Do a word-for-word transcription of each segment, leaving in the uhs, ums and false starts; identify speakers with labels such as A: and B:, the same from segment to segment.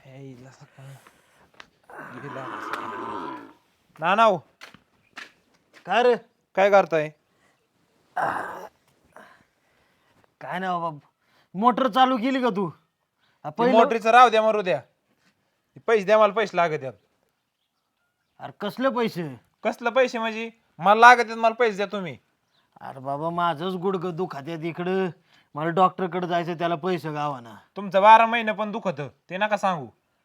A: ना नाव
B: काय रे?
A: काय करताय?
B: काय नाही बाबा, मोटर चालू केली का तू? हा,
A: ती
B: पहिलं-
A: मोटरीचं राव द्या मरू द्या. ती पैसे द्या, मला पैसे लागत आहेत.
B: अरे कसले पैसे?
A: कसलं पैसे म्हणजे? मला लागत आहेत, मला पैसे द्या तुम्ही.
B: अरे बाबा माझंच गुडघं दुखात्यात इकडं, मला डॉक्टरकडे जायचं, त्याला पैसे गावाना.
A: तुमचं बारा महिने पण दुखत ते नका सांगू.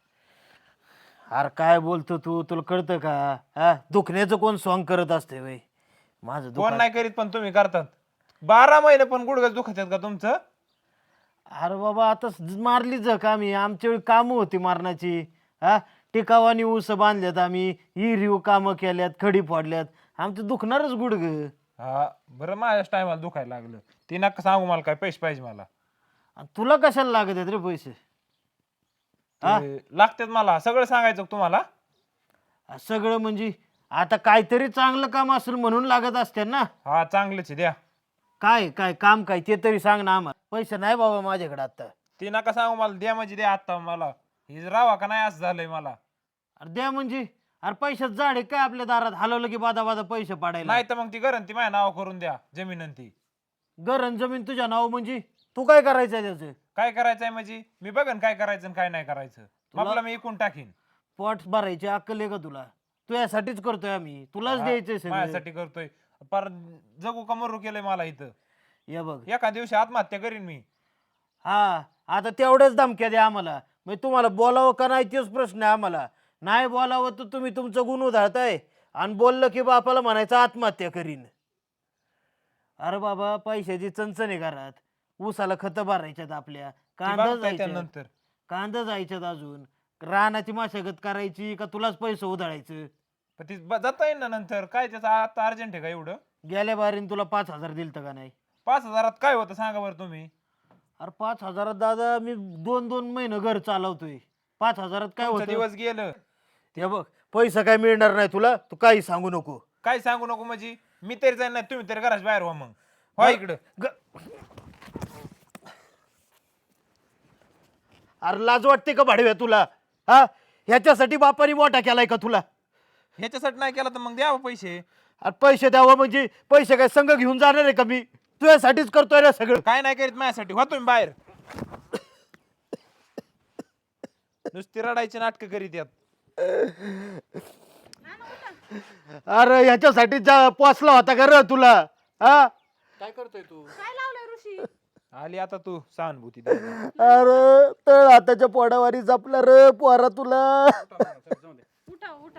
B: अरे काय बोलतो तू, तुला कळतं का? हा, दुखण्याचं कोण सॉंग करत असते वय? माझं
A: कोण
B: दुखा
A: नाही करीत पण तुम्ही करतात. बारा महिने पण गुडघ्याच दुखत आहेत का तुमचं?
B: अरे बाबा आता ज- मारली जख आम्ही, आमच्या वेळी कामं होती मारण्याची. हा, टिकावानी ऊस बांधल्यात आम्ही, हिरीव कामं केल्यात, खडी फोडल्यात, आमचं दुखणारच गुडघं.
A: हा बरं, माझ्याच टायमाला दुखायला लागलं. ते नका सांगू मला, काय पैसे पाहिजे मला.
B: आणि तुला कशाला लागत आहेत रे पैसे? हा?
A: ते लागतात मला, सगळं सांगायचं का तुम्हाला?
B: आ, सगळं म्हणजे आता काहीतरी चांगलं काम असेल म्हणून लागत असते ना.
A: हा चांगलंच आहे, द्या.
B: काय काय काम काय ते तरी सांग ना आम्हाला. पैसे नाही बाबा माझ्याकडे आता.
A: ते नका सांगू मला, द्या म्हणजे द्या आता मला. हे रावा का नाही असं झालंय मला.
B: अरे द्या म्हणजे, अरे पैशात झाड आहे काय आपल्या दारात, हलवलं की बादा बादा पैसे पाडायला?
A: नाही तर मग ती गरण ती माझ्या नाव करून द्या, जमीन आणि ती.
B: गरण जमीन तुझ्या नाव म्हणजे तू काय करायचंय त्याचं?
A: काय करायचंय म्हणजे मी बघन काय करायचं आणि काय नाही करायचं. आपला मी इकून टाकीन.
B: पोट भरायची अक्कल आहे का तुला? तू यासाठीच करतोय आम्ही, तुलाच
A: हा,
B: द्यायचंय सगळं.
A: माझ्यासाठी करतोय. पर जगू का मरू केलंय मला इथं.
B: ये बघ,
A: एका दिवशी आत्महत्या करीन मी.
B: हा आता तेवढ्याच धमक्या द्या आम्हाला, मग तुम्हाला बोलावं का नाही तेच प्रश्न आहे आम्हाला. नाही बोलावं तर तुम्ही तुमचं गुण उधळताय, आणि बोललं की बापाला म्हणायचं आत्महत्या करीन. अरे बाबा पैशाची चणचण घरात, ऊसाला खत भरायच्यात आपल्या, कांदा
A: बघताय
B: जायच्यात,
A: त्यानंतर.
B: कांदा जायच्यात, अजून रानाची मशागत करायची का तुलाच पैसे उधळायचं?
A: पण ती ब- जाता येईल ना नंतर, काय त्याचं आता अर्जंट आहे का एवढं?
B: गेल्या बारीन तुला पाच हजार दिलतं का नाही?
A: पाच हजारात काय होतं सांगा बरं तुम्ही.
B: अरे पाच हजारात दादा मी दोन दोन महिने घर चालवतोय, पाच हजारात काय
A: तुमचं
B: होतं?
A: दिवस गेलं.
B: ते बघ, पैसा काय मिळणार नाही तुला, तू काही सांगू नको.
A: काय सांगू नको म्हणजे? मी तरी जाईन, नाही तुम्ही तरी घराच्या बाहेर व्हा मग. हो इकडं.
B: ग- अरे लाज वाटते का भाडव्या तुला? हा, ह्याच्यासाठी बापाने मोठा केलाय का तुला?
A: ह्याच्यासाठी नाही केला तर मग द्यावं पैसे.
B: अरे पैसे द्यावं म्हणजे पैसे काय संघ घेऊन जाणार आहे का मी? तुझ्यासाठीच करतोय ना सगळं.
A: काय नाही करीत माझ्यासाठी, हो तुम्ही बाहेर. नुसती रडायची नाटकं करीत यात.
B: अरे ह्याच्यासाठी जा पोचला होता का र तुला? हा,
C: काय करतोय तू?
D: काय लावलंय ऋषी?
A: आली आता तू सहानुभूती द्यायला.
B: अरे तळ हाताच्या पोडावारी जपला रे पोरा तुला.
D: उठा उठा.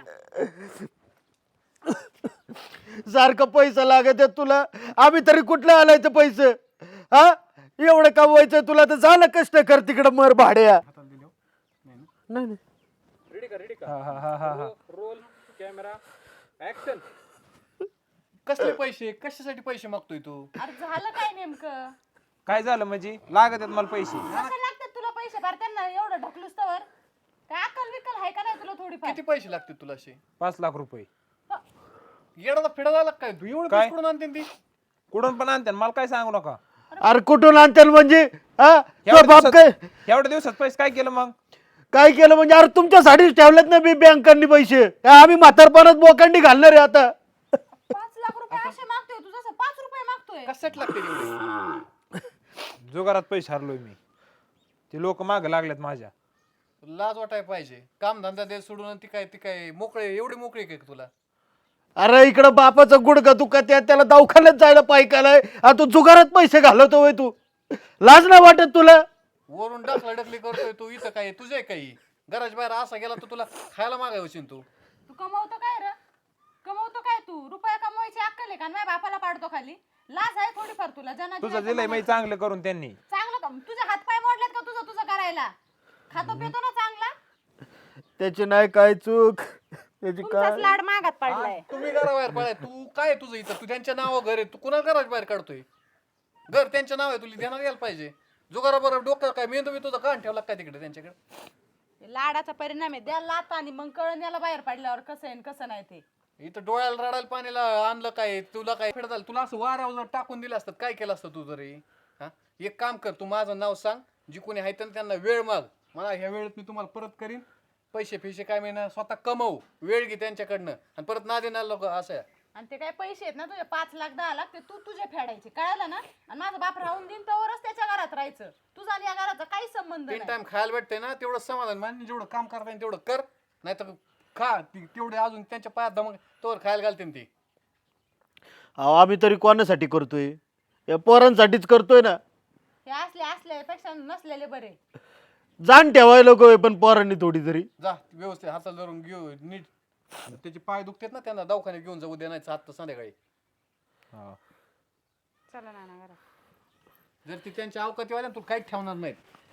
B: सारखं पैसा लागत आहे तुला, आम्ही तरी कुठलं आलायचं पैसे? हा, एवढं कमवायचं तुला तर झालं, कष्ट कर तिकडं मर भाड्या. नाही नाही.
C: रेडी का रेडी का?
A: हा हा हा हा हा.
C: Roll camera action. कसले पैसे, कशासाठी पैसे मागतोय तू?
D: अरे झालं काय नेमकं?
A: काय झालं म्हणजे? लागत आहेत मला पैसे.
D: कसं लागतात तुला पैसे भर त्यांना एवढं ढकलूस तर? काय अक्कल विकल आहे का नाही तुला थोडीफार?
C: किती पैसे लागतील तुला असे?
A: पाच लाख रुपये.
C: येडाला फिडायला लाग काय तू? एवढं
A: काय?
C: पैसे कुठून आणते ती?
A: कुठून पण आणते मला काय सांगू नका.
B: अरे कुठून आणतील म्हणजे? हा,
A: एवढ्या
B: तो बाप काय
A: दिवसात- एवढ्या दिवसात पैसे काय केलं मग?
B: काय केलं म्हणजे? अरे तुमच्यासाठीच ठेवलेत ना मी बँकांनी पैसे, काय आम्ही म्हातारपणात बोकांडी घालणार आहे आता?
D: पाच लाख रुपये असे मागतोय तू, जसं पाच रुपये मागतोय.
C: कशासाठी लागते एवढे?
A: जुगारात पैसे हरलोय मी. ते लोक माग लागलेत माझ्या.
C: लाज वाटाय पाहिजे. काम धंदा दे सोडून आणि ती काय ती काय मोकळे, एवढी मोकळी काय तुला?
B: अरे इकडं बापाचं गुडघं दुखत आहे, त्याला दवाखान्यात जायला पाहिजे, तू जुगारात पैसे घालवतो होय तू? लाज नाही वाटत तुला?
C: वरून डाकला डकली करतोय तू, इथं काय तुझे काही घराच्या बाहेर असा गेला तर तुला खायला मागायची तू.
D: तू कमवतो काय रे? कमवतो काय तू? रुपया कमवायची अक्कल आहे का? माझ्या बापाला पाडतो खाली. लाज आहे थोडीफार तुला? जना
A: तुझं दिलंय मी चांगलं करून त्यांनी.
D: चांगलं काम तुझे हातपाय मोडलेत का तुझं तुझं करायला? खातो पितो ना चांगला?
B: त्याची नाही काय चूक, त्याची
D: तुमचाच
B: काय.
D: लाड मागात पडलाय.
C: तुम्ही घराबाहेर पडाय, तू काय तुझं इथं? तू त्यांच्या नाव घर आहे, तू कुणा घराच्या बाहेर काढतोय? घर त्यांच्या नाव आहे, तुला ध्यानात यायला पाहिजे. जुगारा बरोबर डोक्यात काय मेंदू मी तुझा कान ठेवला काय तिकडे त्यांच्याकडे?
D: लाडाचा परिणाम आहे. द्या लात आणि मग कळण याला बाहेर पडल्यावर कसं आहे आणि कसं नाही ते.
C: इथं डोळ्याला रडायला पाणीला आणलं काय? तुला काय फेड झालं? तुला असं वाऱ्यावर टाकून दिलं असतं, काय केलं असतं तू तरी? हा, एक काम कर, तू माझं नाव सांग, जी कोणी आहे त्यांना वेळ माग मला ह्या वेळेत मी तुम्हाला परत करीन. पैसे फिशे काय महिना स्वतः कमवू, वेळ घे त्यांच्याकडनं आणि परत ना देणार लोक असं आहे.
D: आणि ते काय पैसे आहेत ना तुझे पाच लाख दहा लाख ते तू तुझे फेडायचे कळलं ना. आणि माझा बाप राहून देईन तोवरच त्याच्या घरात राहायचं. तुझा आणि या घराचा काही संबंध
C: तीन
D: नाही.
C: टाइम खायला भेटते ना तेवढं समाधान मान. जेवढं काम करता येईल तेवढं कर, नाही तर खा ती- तेवढे अजून त्यांच्या पायात दमक तोवर खायला घालते ती.
B: अहो आम्ही तरी कोणासाठी करतोय? या पोरांसाठीच करतोय ना.
D: हे असले असल्यापेक्षा नसलेले बरे.
B: जाण ठेवायला नको पण पोरांनी थोडी तरी.
C: जा व्यवस्थित हाताला धरून घेऊ नीट. त्याचे पाय दुखतात ना त्यांना दवाखान्यात घेऊन जाऊ उद्या नाही आता संध्याकाळी.
D: चला नाना घरात.
C: जर ती त्यांच्या अवकातीवाल्या तुला काहीच ठेवणार नाहीत.